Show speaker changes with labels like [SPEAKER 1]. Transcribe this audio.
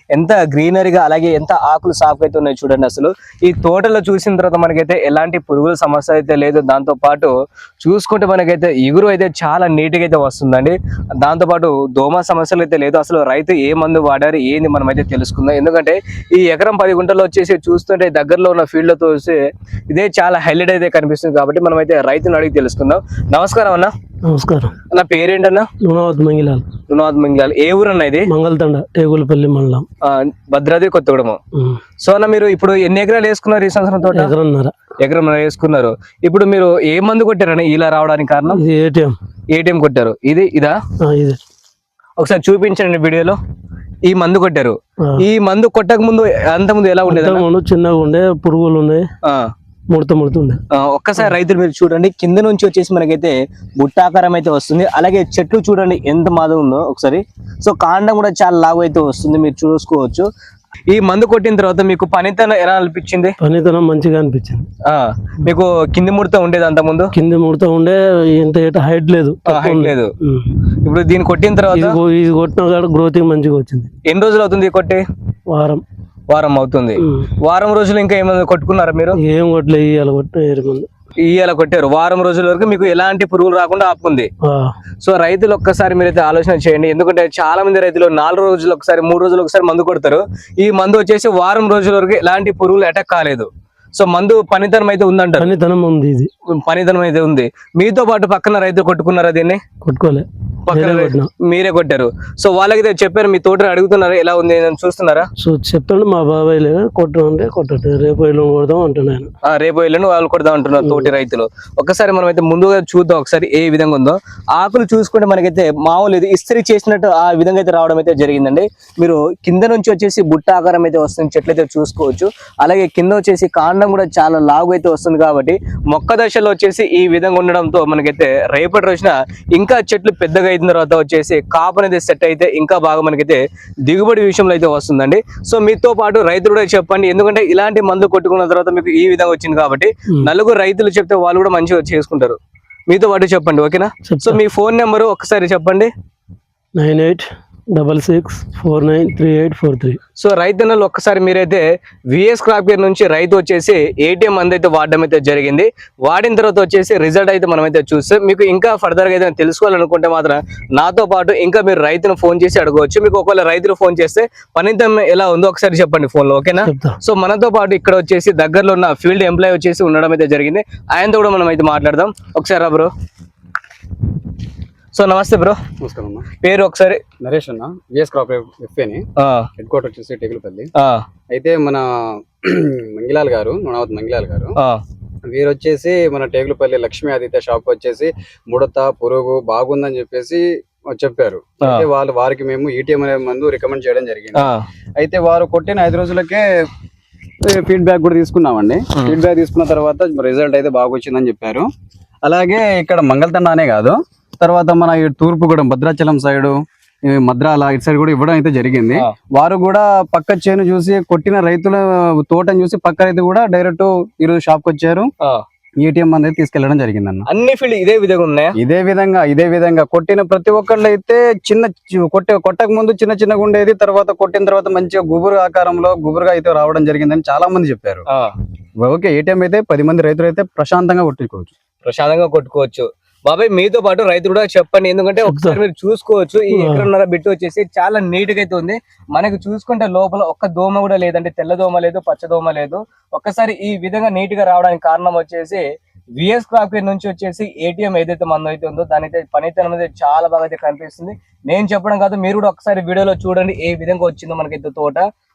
[SPEAKER 1] ఎంత గ్రీనరీగా అలాగే ఎంత ఆకులు సాఫ్ అయితే ఉన్నాయి చూడండి. అసలు ఈ తోటలో చూసిన తర్వాత మనకైతే ఎలాంటి పురుగుల సమస్య అయితే లేదు. దాంతో పాటు చూసుకుంటే మనకైతే ఇగురు అయితే చాలా నీట్గా అయితే వస్తుందండి. దాంతో పాటు దోమ సమస్యలు అయితే లేదు. అసలు రైతు ఏ మందు వాడారు ఏంది మనం అయితే తెలుసుకుందాం. ఎందుకంటే ఈ ఎకరం 10 గుంటల్లో వచ్చేసి చూస్తుంటే దగ్గరలో ఉన్న ఫీల్డ్ లో చూసి ఇదే చాలా హైలైట్ అయితే కనిపిస్తుంది. కాబట్టి మనం అయితే రైతుని అడిగి తెలుసుకుందాం. నమస్కారం అన్న.
[SPEAKER 2] నమస్కారం.
[SPEAKER 1] నా పేరేంటన్నా?
[SPEAKER 2] లుణావత్ మంగిలాల్.
[SPEAKER 1] లుణావత్ మంగిలాల్. ఏ ఊరు అన్న ఇది?
[SPEAKER 2] మంగళతండ, టేగులపల్లి మండలం,
[SPEAKER 1] భద్రాద్రి కొత్తగూడెం. సో అన్న మీరు ఇప్పుడు ఎన్ని ఎకరాలు వేసుకున్నారు ఈ సంవత్సరం తోట? ఎకరం వేసుకున్నారు. ఇప్పుడు మీరు ఏ మందు కొట్టారని ఇలా రావడానికి కారణం? ఏటీఎం కొట్టారు. ఇదా ఒకసారి చూపించండి వీడియోలో. ఈ మందు కొట్టారు. ఈ మందు కొట్టక ముందు అంత ముందు ఎలా ఉండేది?
[SPEAKER 2] చిన్నగా ఉండే, పురుగులు ఉన్నాయి, ముడత ఉండే.
[SPEAKER 1] ఒక్కసారి రైతులు మీరు చూడండి, కింద నుంచి వచ్చేసి మనకైతే బుట్టాకారం అయితే వస్తుంది. అలాగే చెట్లు చూడండి ఎంత మాదం ఉందో ఒకసారి. సో కాండం కూడా చాలా లావు అయితే వస్తుంది, మీరు చూసుకోవచ్చు. ఈ మందు కొట్టిన తర్వాత మీకు పనితనం ఎలా అనిపించింది?
[SPEAKER 2] పనితనం మంచిగా అనిపించింది.
[SPEAKER 1] మీకు కింది ముడత ఉండేది అంత ముందు?
[SPEAKER 2] కింది ముడత ఉండే, ఇంత హైట్ లేదు.
[SPEAKER 1] ఇప్పుడు దీన్ని కొట్టిన తర్వాత
[SPEAKER 2] ఇది కొట్టిన కాడ గ్రోతింగ్ మంచిగా వచ్చింది.
[SPEAKER 1] ఎన్ని రోజులు అవుతుంది కొట్టి? వారం అవుతుంది. వారం రోజులు ఇంకా ఏమైనా కొట్టుకున్నారా మీరు?
[SPEAKER 2] ఏం కొట్టలేదు, ఇవాళ కొట్టిన
[SPEAKER 1] ఇవాళ కొట్టారు. వారం రోజుల వరకు మీకు ఎలాంటి పురుగులు రాకుండా ఆపుకుంది. సో రైతులు ఒక్కసారి మీరైతే ఆలోచన చేయండి. ఎందుకంటే చాలా మంది రైతులు 4 రోజులు ఒకసారి, 3 రోజులు ఒకసారి మందు కొడతారు. ఈ మందు వచ్చేసి వారం రోజుల వరకు ఎలాంటి పురుగులు అటాక్ కాలేదు. సో మందు పనితనం అయితే ఉందంటారు?
[SPEAKER 2] పనితనం ఉంది, ఇది
[SPEAKER 1] పనితనం అయితే ఉంది. మీతో పాటు పక్కన రైతులు కొట్టుకున్నారా దీన్ని?
[SPEAKER 2] కొట్టుకోలే,
[SPEAKER 1] మీరే కొట్టారు. సో వాళ్ళకి చెప్పారు, మీ తోట అడుగుతున్నారు ఎలా ఉంది చూస్తున్నారా?
[SPEAKER 2] సో చెప్పండి, మా బాబాయ్ కొట్టంటే కొట్టండి, రేపు ఎల్లుండి కొడదాం అంటున్నాను.
[SPEAKER 1] రేపు ఎల్లుండి వాళ్ళు కొడదాం అంటున్నారు తోటి రైతులు. ఒకసారి మనం అయితే ముందుగా చూద్దాం ఒకసారి ఏ విధంగా ఉందో. ఆకులు చూసుకుంటే మనకైతే మామూలు ఇది ఇస్త్రీ చేసినట్టు ఆ విధంగా అయితే రావడం అయితే జరిగిందండి. మీరు కింద నుంచి వచ్చేసి బుట్ట ఆకారం అయితే వస్తుంది, చెట్లు అయితే చూసుకోవచ్చు. అలాగే కింద వచ్చేసి కాండం కూడా చాలా లాగు అయితే వస్తుంది. కాబట్టి మొక్క దశలో వచ్చేసి ఈ విధంగా ఉండడంతో మనకైతే రేపటి రోజున ఇంకా చెట్లు పెద్దగా అయిన తర్వాత వచ్చేసి కాపు అనేది సెట్ అయితే ఇంకా బాగా మనకైతే దిగుబడి విషయంలో అయితే వస్తుందండి. సో మీతో పాటు రైతులు కూడా చెప్పండి, ఎందుకంటే ఇలాంటి మందులు కొట్టుకున్న తర్వాత మీకు ఈ విధంగా వచ్చింది కాబట్టి నలుగురు రైతులు చెప్తే వాళ్ళు కూడా మంచిగా చేసుకుంటారు. మీతో పాటు చెప్పండి, ఓకేనా? సో మీ ఫోన్ నెంబరు ఒకసారి చెప్పండి.
[SPEAKER 2] 9866493843.
[SPEAKER 1] సో రైతన్నలు ఒక్కసారి మీరైతే విఎస్ క్రాప్ కేర్ నుంచి రైతు వచ్చేసి ఏటీఎం మందు అయితే వాడడం అయితే జరిగింది. వాడిన తర్వాత వచ్చేసి రిజల్ట్ అయితే మనమైతే చూస్తే మీకు ఇంకా ఫర్దర్గా అయితే తెలుసుకోవాలనుకుంటే మాత్రం నాతో పాటు ఇంకా మీరు రైతును ఫోన్ చేసి అడగవచ్చు. మీకు ఒకవేళ రైతులు ఫోన్ చేస్తే పనితం ఎలా ఉందో ఒకసారి చెప్పండి ఫోన్లో, ఓకేనా? సో మనతో పాటు ఇక్కడ వచ్చేసి దగ్గరలో ఉన్న ఫీల్డ్ ఎంప్లాయ్ వచ్చేసి ఉండడం అయితే జరిగింది. ఆయనతో కూడా మనం అయితే మాట్లాడదాం. ఒకసారి రా బ్రో. సో నమస్తే బ్రో.
[SPEAKER 3] నమస్కారం అన్న.
[SPEAKER 1] పేరు ఒకసారి?
[SPEAKER 3] నరేష్ అన్న, విఎస్ క్రాప్ ఎఫ్ఏని, హెడ్ క్వార్టర్ వచ్చేసి టేగులపల్లి. అయితే మన మంగిలాల్ గారు, లుణావత్ మంగిలాల్ గారు, వీరు వచ్చేసి మన టేగులపల్లి లక్ష్మీ ఆదిత్య షాప్ వచ్చేసి ముడత పురుగు బాగుందని చెప్పేసి చెప్పారు. అయితే వారికి మేము ఈటీఎం అనే మందు రికమెండ్ చేయడం జరిగింది. అయితే వారు కొట్టిన 5 రోజులకే ఫీడ్బ్యాక్ కూడా తీసుకున్నామండి. ఫీడ్బ్యాక్ తీసుకున్న తర్వాత రిజల్ట్ అయితే బాగా వచ్చిందని చెప్పారు. అలాగే ఇక్కడ మంగళతండ అనే కాదు, తర్వాత మన ఈ తూర్పుగూడెం భద్రాచలం సైడు, మద్రాల ఇటు సైడ్ కూడా ఇవ్వడం అయితే జరిగింది. వారు కూడా పక్క చేను చూసి కొట్టిన రైతుల తోటను చూసి పక్క రైతు కూడా డైరెక్ట్ ఈరోజు షాప్ కి వచ్చారు. ఏటీఎం అనేది తీసుకెళ్లడం జరిగింది అన్న.
[SPEAKER 1] అన్ని ఫీల్డ్ ఇదే విధంగా ఉన్నాయా?
[SPEAKER 3] ఇదే విధంగా కొట్టిన ప్రతి ఒక్కళ్ళు అయితే కొట్టక ముందు చిన్నగా ఉండేది, తర్వాత కొట్టిన తర్వాత మంచిగా గుబురు ఆకారంలో గుబురుగా అయితే రావడం జరిగిందని చాలా మంది చెప్పారు. ఓకే, ఏటీఎం అయితే 10 మంది రైతులు అయితే ప్రశాంతంగా
[SPEAKER 1] కొట్టుకోవచ్చు. బాబాయ్ మీతో పాటు రైతులు కూడా చెప్పండి, ఎందుకంటే ఒకసారి మీరు చూసుకోవచ్చు. ఈ ఎకరన్నర బిట్టు వచ్చేసి చాలా నీట్ గా అయితే ఉంది. మనకి చూసుకుంటే లోపల ఒక్క దోమ కూడా లేదంటే, తెల్ల దోమ లేదు, పచ్చ దోమ లేదు. ఒక్కసారి ఈ విధంగా నీట్ గా రావడానికి కారణం వచ్చేసి విఎస్ క్రాప్ కేర్ నుంచి వచ్చేసి ఏటీఎం ఏదైతే మందు అయితే ఉందో దాని అయితే పనితనం అనేది చాలా బాగా అయితే కనిపిస్తుంది. నేను చెప్పడం కాదు, మీరు కూడా ఒకసారి వీడియోలో చూడండి ఏ విధంగా వచ్చిందో మనకైతే తోట.